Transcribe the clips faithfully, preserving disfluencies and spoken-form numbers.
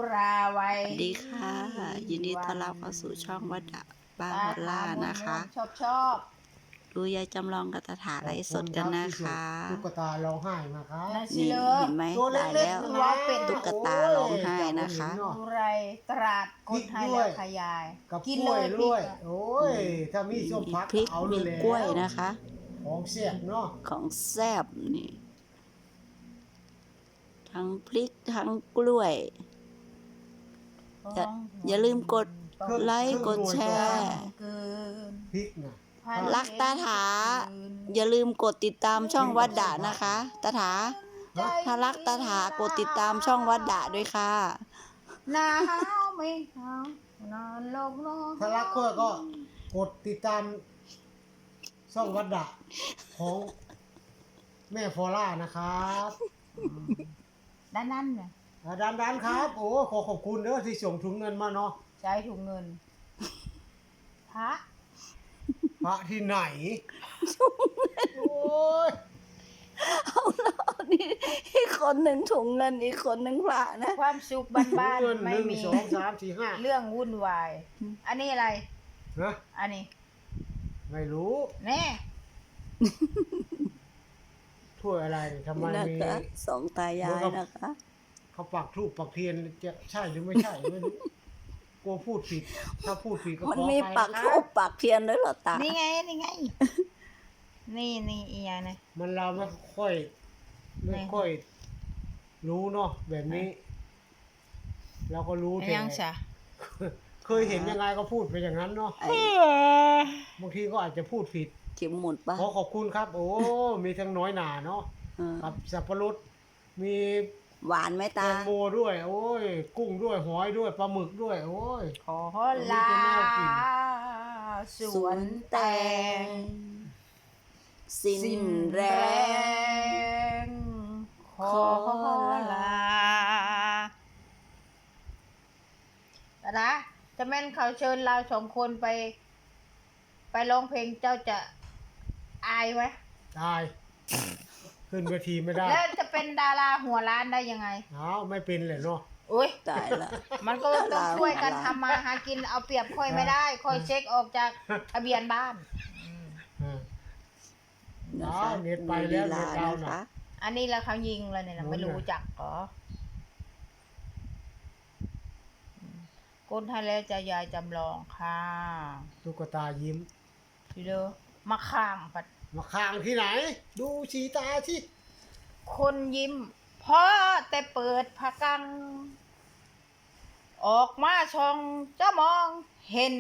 ราไว้สวัสดีค่ะ ยินดีต้อนรับเข้าสู่ช่องวัดดะบ้านฮอลล่านะคะชอบชอบดูยายจำลองกับตาถาไลฟ์สดกันนะคะตุ๊กตาร้องไห้มาครับนั่นสินี่เลเห็นไหมตัวได้เล็กแล้วๆนะตุ๊กตาร้องไห้นะคะอุไรตราดกดให้แล้วขยายกับกินกเลล้วยยด้วยพริกอะโอ้ยถ้ามีส้มมีพักพริกเอามีเลยกล้วยนะคะของเสียบเนาะของแซ่บนี่ ทั้งพริกทั้งกล้วย อย่าอย่าลืมกดไลค์กดแชร์เกินพริกนะรักตาถา อย่าลืมกดติดตามช่องวัดดะนะคะตาถา ถ้ารักตาถากดติดตามช่องวัดดะด้วยค่ะหนาวไม่หนาวนอนลงนอนถ้ารักกล้วยก็กดติดตามช่องวัดดะของแม่ฟอร่านะครับด้านนั้นเนี่ยอ่าดันดันครับ โอ้ขอขอบคุณเด้อที่ส่งถุงเงินมาเนาะใช้ถุงเงินพระพระที่ไหนโอ้ยเอาแล้วนี่อีกคนหนึ่งถุงเงินอีกคนหนึ่งพระนะความสุขบ้านเงินๆหไม่นึ่งมีสองสามสี่ห้าเรื่องวุ่นวาย อันนี้อะไรนะอันนี้ไม่รู้แน่ถ้วยอะไรทำไมนะมีคะสองตายายนะคะเขาปักทูปปักเทียนจะใช่หรือไม่ใช่ไม่รู้กลัวพูดผิด ถ้าพูดผิดก็มันขอมีไปปักนะทูปปักเทียนด้วยเหรอตานี่ไง นี่ไง นี่นี่อีกอย่างนะมันเราไม่ค่อย ไม่ค่อย รู้เนาะแบบนี้ เราก็รู้อันแต่ยังสะเคยเห็นยังไงก็พูดไปอย่างนั้นเนาะไอ้บางทีก็อาจจะพูดผิดเข็มหมุดปะขอขอบคุณครับ โอ้มีทั้งน้อยหนาเนาะเออกับสับปะรดมีหวานไหมแตตางโมด้วย โอ้ย กุ้งด้วยหอยด้วยปลาหมึกด้วย โอ้ยขอลาสวนแตงสิ้นแรแรง ง ขอลาแต่นะจะแม่นเขาเชิญเราสองคนไป ไปร้องเพลงเจ้าจะอายไหมตาย ขึ้นเวทีไม่ได้แล้วจะเป็นดาราหัวล้านได้ยังไงเอาไม่เป็นเลยเนาะอุ้ยตายละมันก็ต้องช่วยกันทำมาหากินเอาเปรียบค่อยไม่ได้ ค่อยเช็คออกจากทะเบียนบ้านอ่านะคะอ๋อเน็ตไปแล้วมีเน็ตลาดาวน์นะน่ะคะอันนี้แล้วเขายิงเลยเนี่ยนะโอ้ยไม่รู้จักเหรอก้นให้แล้วจะยายจำลองค่ะตุ๊กตายิ้มทีเดียวมาข้างปัดมาข้างที่ไหน ดูสีตาที่คนยิ้มเพราะแต่เปิดผากัง ออกมาช่องจะมองเห็น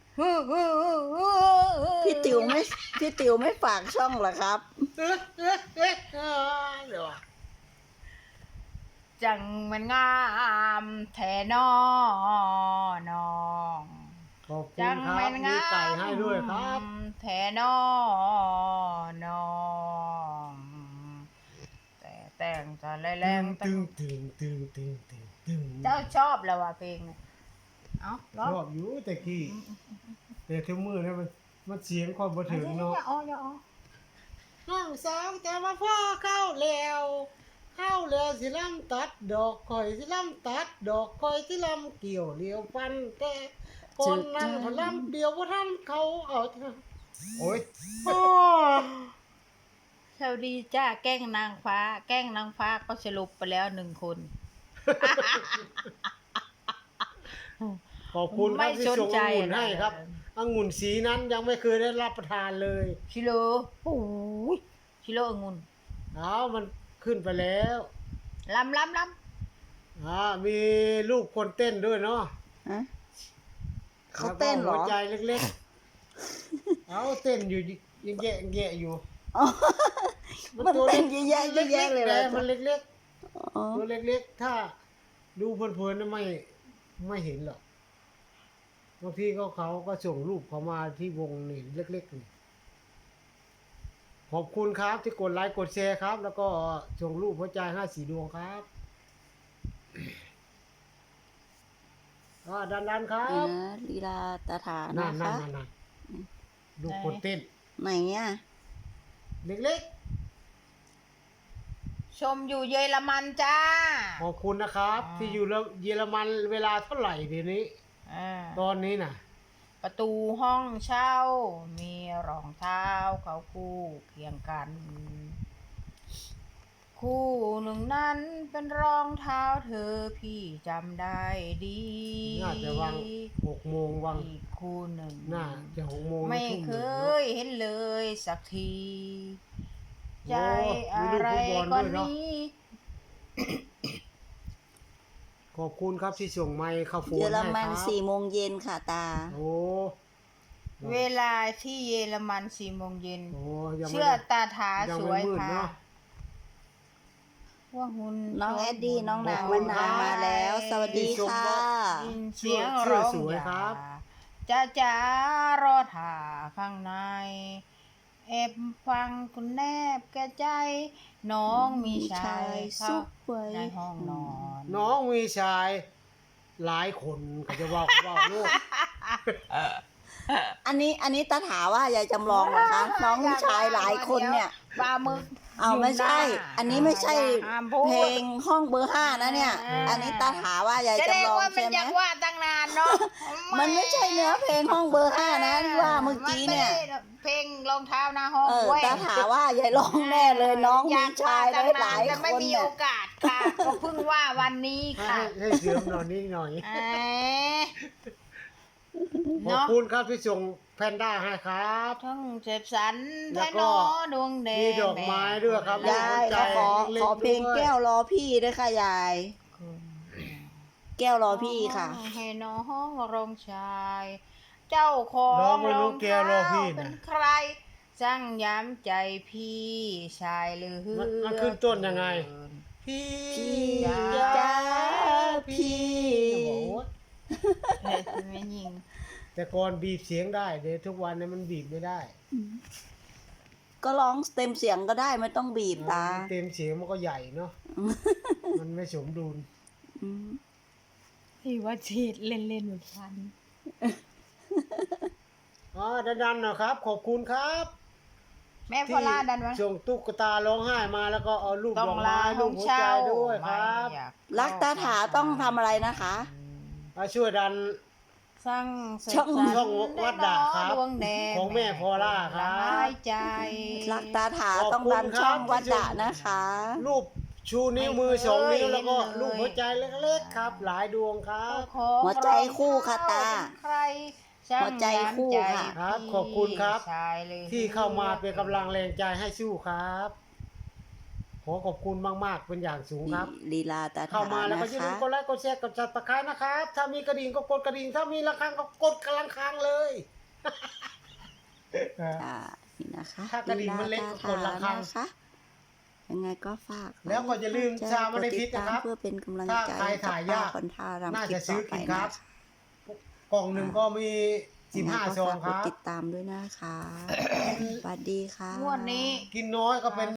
พี่ติ๋วไม่พี่ติ๋วไม่ฝากช่องเหรอครับเอ๊ะเอ๊ะเอ๊ะเอ๊ะเดี๋ยวอะจังมันงามแทนอนองขอบคุจัณงครับแม่นมีงามไก่ให้ด้วยครับแทนอนองแต่แต่งจะแรงตึงตึงตึงตึงตึงตึงเจ้าชอบแล้วว่ะเพลงเนี่ยเอ้าร้องชอบอยู่แต่กี้แต่ทุกมือเนี่ยมันมันเสียงความบันอย่าเทิงเนาะอ๋ออย่าอ๋อน้องสาวแต่มาพ่อเข้าแล้วเข้าแล้วสิลำตัดดอกคอยสิลำตัดดอกคอยสิลำเกี่ยวเดียวฟันแต่คนนั้นพลำเดียวว่าท่านเขาเอาเถอะโอ้ยโอ้ยสวัสดีจ้าแกล้งนางฟ้า แกล้งนางฟ้าก็สรุปไปแล้วหนึ่งคนขอบคุณครับที่ส่งองุ่นให้ครับนะองุ่นสีนั้นยังไม่เคยได้รับประทานเลยชิโร่โอ้ยชิโร่องุ่นเอามันขึ้นไปแล้วลำลำลอ่ามีลูกคนเต้นด้วยเนาะฮะเขาเต้นเหรอแล้วก็หัวใจเล็กๆ เอาเต้นอยู่ยังแยะแยะอยู่อ๋อมันเต้นเยอะแยะเยอะแยะเลยเหรอแต่มันเล็กอ๋อๆตัวเล็กๆ ถ้าดูเพลินๆนะไม่ไม่เห็นหรอกบางทีเขาเขาก็ส่งรูปเขามาที่วงนี่เล็กๆนี่ขอบคุณครับที่กดไลค์กดแชร์ครับ แล้วก็ส่งรูปหัวใจห้าสีดวงครับอ่าดันๆครันี่บนะลีลาตาถานั่นะนนั่คะนนั่นดูคนเต้นไหนอ่ะเล็กๆชมอยู่เยอรมันจ้าขอบคุณนะครับอ่าที่อยู่เยอรมันเวลาเท่าไหร่เดี๋ยวนี้อ่าตอนนี้น่ะประตูห้องเช่า มีรองเท้าเขาคู่เคียงกัน คู่หนึ่งนั้นเป็นรองเท้าเธอพี่จำได้ดีน่าจะวางหกโมงวางอีกคู่หนึ่งน่าจะหกโมงไม่ทุ่มเคหนึ่งเนาะยเห็นเลยสักทีโอ้ใจอะไรมีลูกฟุตบอลก็ด้วยเนอะนี้ขอบคุณครับที่ส่งไมค์เข้าโฟนเยอรให้มันครับสี่โมงเย็นค่ะตาโอ้เวลาที่เยอรมันสี่โมงเย็นโอ้ยังไม่เชื่อได้ตาถายังสไม่วยมืดค่ะเนาะว่าหุ่นน้องแอดดี้น้องนางขอบคุวันณนาครับมาแล้ว สวัสดีที่ชมค่ะว่ายินเสียงชื่อร้องสวยอย่าครับจ้าจ้ารอถ่าข้างในแอบฟังคุณแนบแก่ใจ น้องมีชายเข้าซุกไว้ในห้องนอนน้องมีชายหลายคนเขาจะว่าว่าลูกอันนี้อันนี้ตาถาว่ายายจำลองนะคะ น้องชายหลายคนเนี่ยปลาหมึกเอาไม่ใช่ยู่หน้าอันนี้ไม่ใช่ห้ามพูดเพลงห้องเบอร์ห้านะเนี่ยอ่าอันนี้ตาถาว่ายายแสดงจำลองว่ามันใช่ไหมอยากว่าตั้งนานเนาะมันไม่ใช่เนื้อเพลงห้องเบอร์ห้านะที่ว่าเมื่อกี้เนี่ยมัไม่ได้เพลงรองเท้าหน้าห้องเออเว้ยตาถาว่ายายร้องแน่เลยน้องมีชายหลายหลายแต่คไม่นมีเนี่โอย กาสค่ะ ก็เพิ่งว่าวันนี้ให้ค่ะให้เสริมหน่อยนิดหน่อยเอ้ยขอบเนาะคุณครับที่ส่งแพนด้าให้ครับทั้งเจ็บสันแล้แท้วก็หนอดวงแดงมีดอกไม้ด้วยครับยายใจขอเล็กๆขอเพลงด้วยแก้วรอพี่ด้วยค่ะยาย แก้วรอพี่ค่ะให้น้องรองชาย เจ้าของน้องไม่รู้รองแก้วรอพี่เท้านะเป็นใครสั่งย้ำใจพี่ชายหรือมันมันขึ้นต้นยังไง พี่พี่จ้าจ้าพี่โอ้โหเฮ้ยไม่ยิงแต่ก่อนบีบเสียงได้เดี๋ยวทุกวันนี้มันบีบไม่ได้ก็ร้องเต็มเสียงก็ได้ไม่ต้องบีบตาเต็มเสียงมันก็ใหญ่เนาะมันไม่สมดุลอืมพี่ว่าฉีดเล่นๆเหมือนกันอ๋อดันๆนะครับ ขอบคุณครับแม่พอล่าดันวะส่งตุ๊กตาร้องไห้มาแล้วก็เอารูปต้อดงอกลาไม้ห้รูอปงหัวเช่าใจด้วยครับไม่อยากรักตาถาต้องทำอะไรนะคะมาช่วยดันสร้างเสร็จช่องสรรช่องวัดด่างครับดวงแดงของแม่พอล่าครับละลายใจรักตาถาต้องดันช่องวัดดะนะคะรูปชูนิ้วมือสองนิ้วแล้วก็รูปหัวใจเล็กๆครับ หลายดวงครับหัวใจคู่ค่ะตาใครช่างหัวใจคู่ค่ะครับ ขอบคุณครับชายเลยที่เข้ามาเป็นกำลังแรงใจให้สู้ครับ ขอขอบคุณมากๆเป็นอย่างสูงครับลีลาตาเข้าถามาแล้วนะก็อย่าลืคะมกดไลค์กดแชร์กดจัดตะไคร้นะครับ ถ้ามีกระดิ่งก็กดกระดิ่ง ถ้ามีระฆังก็กดกระฆังเลยอ่านี่นะคะถ้ากระดิ่งมันเล็กก็กดระฆังนะคะยังไงก็ฝากแล้วก็อย่าลืมชามาในพิษนะครับเพื่อเป็นกำลังใจถ้าใครถ่ายยากให้บป้คนท่ารำน่าคลิจะปซื้ต่ออไปกินคนะรับคะกล่องหนึ่งก็มีสิบห้ายังไงก็ซองฝากคกดรับติดตามด้วยนะคะสวัสดีค่ะงวดนี้กินน้อยก็เป็น